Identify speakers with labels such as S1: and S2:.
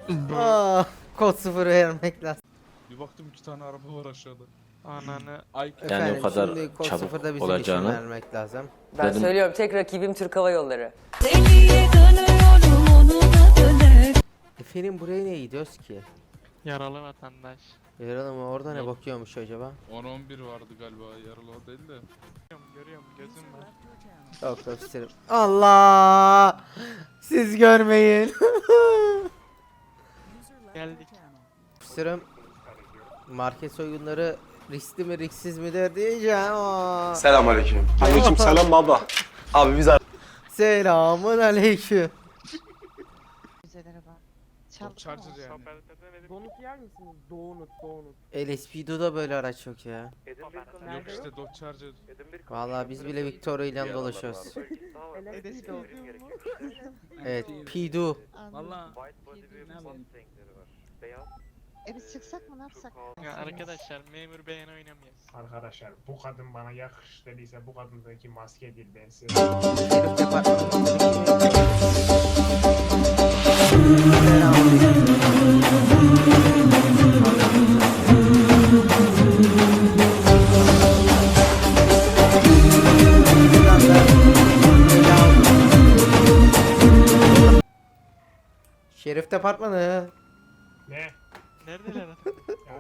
S1: Kod 0 vermek lazım.
S2: Bir baktım 2 tane araba var aşağıda.
S3: Ananı.
S2: Ay
S1: Efendim,
S4: o kadar
S1: şimdi kod
S4: çabuk
S1: 0'da bizim için
S4: olacağını.
S1: vermek lazım.
S5: Ben
S4: Dedim-
S5: söylüyorum, tek rakibim Türk Hava Yolları.
S1: Efendim buraya ne gidiyoruz ki?
S3: Yaralı vatandaş.
S1: Yaralım orada ne
S2: Yok.
S1: bakıyormuş acaba?
S2: 10-11 vardı galiba, yaralı o değil de.
S3: Görüyorum gözüm var.
S1: Yok yok isterim. Allah! Siz görmeyin.
S3: Geldik.
S1: İsterim. Market soygunları riskli mi risksiz midir diyeceğim.
S6: Selamünaleyküm. Aleyküm selam baba. Abi biz
S1: Selamun aleyküm.
S2: Çok charger yani.
S1: Donut yer misiniz? Donut. LSPD'da böyle araç yok ya.
S2: Yok işte Dodge Charger.
S1: Vallahi biz bile Victoria ile dolaşıyoruz. Evet, Pidu.
S7: Valla
S8: Biz çıksak mı ne yapsak?
S3: Ya arkadaşlar memur beğen oynamayız.
S9: Arkadaşlar bu kadın bana yakış dediyse bu kadındaki maske değil ben size.
S1: Şerif departmanındaki Şerif departmanı.
S9: Ne?
S3: Neredeler adam?
S9: Ya